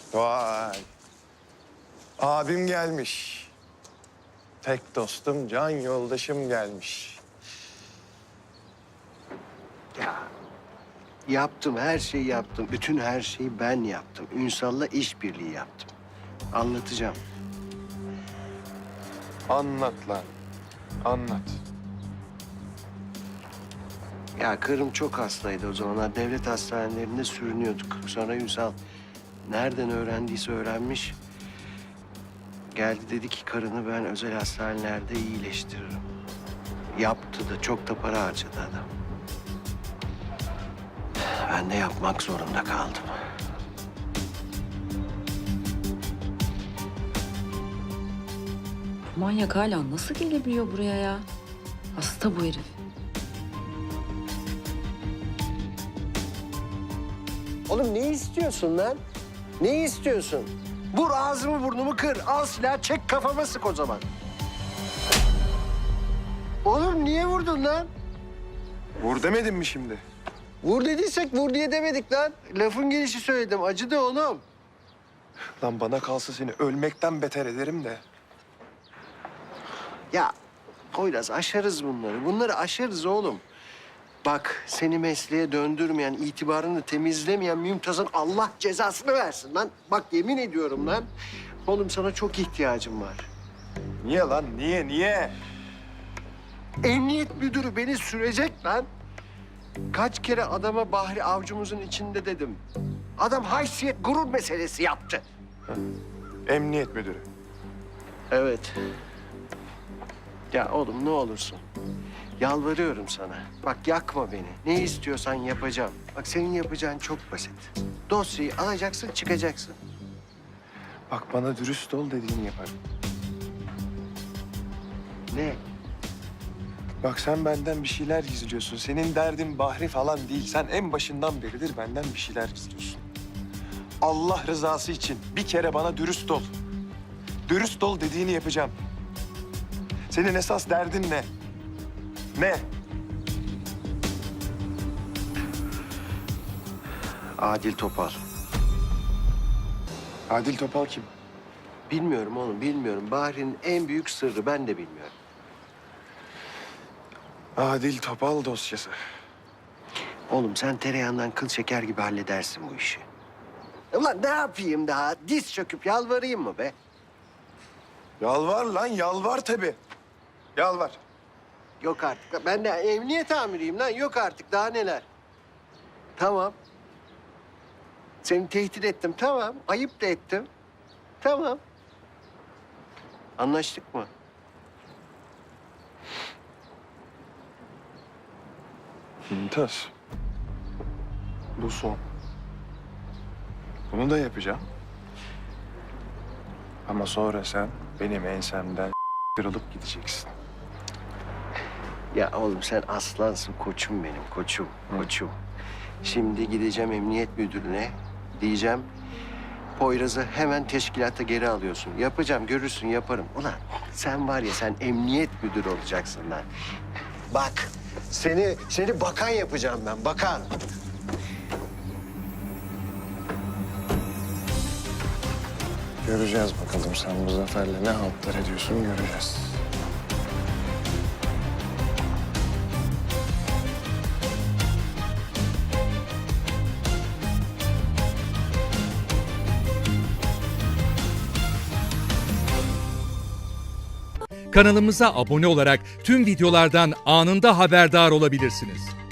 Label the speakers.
Speaker 1: Vay. Abim gelmiş. Tek dostum, can yoldaşım gelmiş.
Speaker 2: Ya yaptım, her şeyi yaptım. Bütün her şeyi ben yaptım. Ünsal'la işbirliği yaptım. Anlatacağım.
Speaker 1: Anlat lan. Anlat.
Speaker 2: Ya karım çok hastaydı o zamanlar. Devlet hastanelerinde sürünüyorduk. Sonra Ünsal nereden öğrendiyse öğrenmiş. Geldi dedi ki karını ben özel hastanelerde iyileştiririm. Yaptı da çok da para harcadı adam. Ben de yapmak zorunda kaldım.
Speaker 3: Manyak hala nasıl gelebiliyor buraya ya? Hasta bu herif.
Speaker 2: Oğlum ne istiyorsun lan? Ne istiyorsun? Vur ağzımı burnumu kır. Al silah çek kafama sık o zaman. Oğlum niye vurdun lan?
Speaker 1: Vur demedim mi şimdi?
Speaker 2: Vur dediysek vur diye demedik lan. Lafın gelişi söyledim. Acıdı oğlum.
Speaker 1: Lan bana kalsa seni ölmekten beter ederim de.
Speaker 2: Ya Poyraz aşarız bunları. Bunları aşarız oğlum. Bak seni mesleğe döndürmeyen, itibarını temizlemeyen Mümtaz'ın Allah cezasını versin lan. Bak yemin ediyorum lan. Oğlum sana çok ihtiyacım var.
Speaker 1: Niye lan? Niye?
Speaker 2: Emniyet müdürü beni sürecek lan. Kaç kere adama Bahri avcumuzun içinde dedim. Adam haysiyet, gurur meselesi yaptı.
Speaker 1: Emniyet müdürü.
Speaker 2: Evet. Ya oğlum ne olursun. Yalvarıyorum sana. Bak yakma beni. Ne istiyorsan yapacağım. Bak senin yapacağın çok basit. Dosyayı alacaksın, çıkacaksın.
Speaker 1: Bak bana dürüst ol dediğini yaparım.
Speaker 2: Ne?
Speaker 1: Bak sen benden bir şeyler gizliyorsun. Senin derdin Bahri falan değil. Sen en başından beridir benden bir şeyler gizliyorsun. Allah rızası için bir kere bana dürüst ol. Dürüst ol dediğini yapacağım. Senin esas derdin ne? Ne?
Speaker 2: Adil Topal.
Speaker 1: Adil Topal kim?
Speaker 2: Bilmiyorum oğlum, bilmiyorum. Bahri'nin en büyük sırrı ben de bilmiyorum.
Speaker 1: Adil Topal dosyası.
Speaker 2: Oğlum sen tereyağından kıl şeker gibi halledersin bu işi. Ulan ne yapayım daha? Diz çöküp yalvarayım mı be?
Speaker 1: Yalvar lan, yalvar tabii. Yalvar.
Speaker 2: Yok artık. Ben de emniyet amiriyim lan. Yok artık. Daha neler? Tamam. Seni tehdit ettim. Tamam. Ayıp da ettim. Tamam. Anlaştık mı?
Speaker 1: Mümtaz. Bu son. Bunu da yapacağım. Ama sonra sen benim ensemden kırılıp gideceksin.
Speaker 2: Ya oğlum sen aslansın. Koçum benim. Koçum. Koçum. Şimdi gideceğim emniyet müdürüne. Diyeceğim. Poyraz'ı hemen teşkilata geri alıyorsun. Yapacağım. Görürsün yaparım. Ulan sen var ya sen emniyet müdürü olacaksın lan. Bak seni bakan yapacağım ben. Bakan.
Speaker 1: Göreceğiz bakalım sen bu zaferle ne haltlar ediyorsun göreceğiz.
Speaker 4: Kanalımıza abone olarak tüm videolardan anında haberdar olabilirsiniz.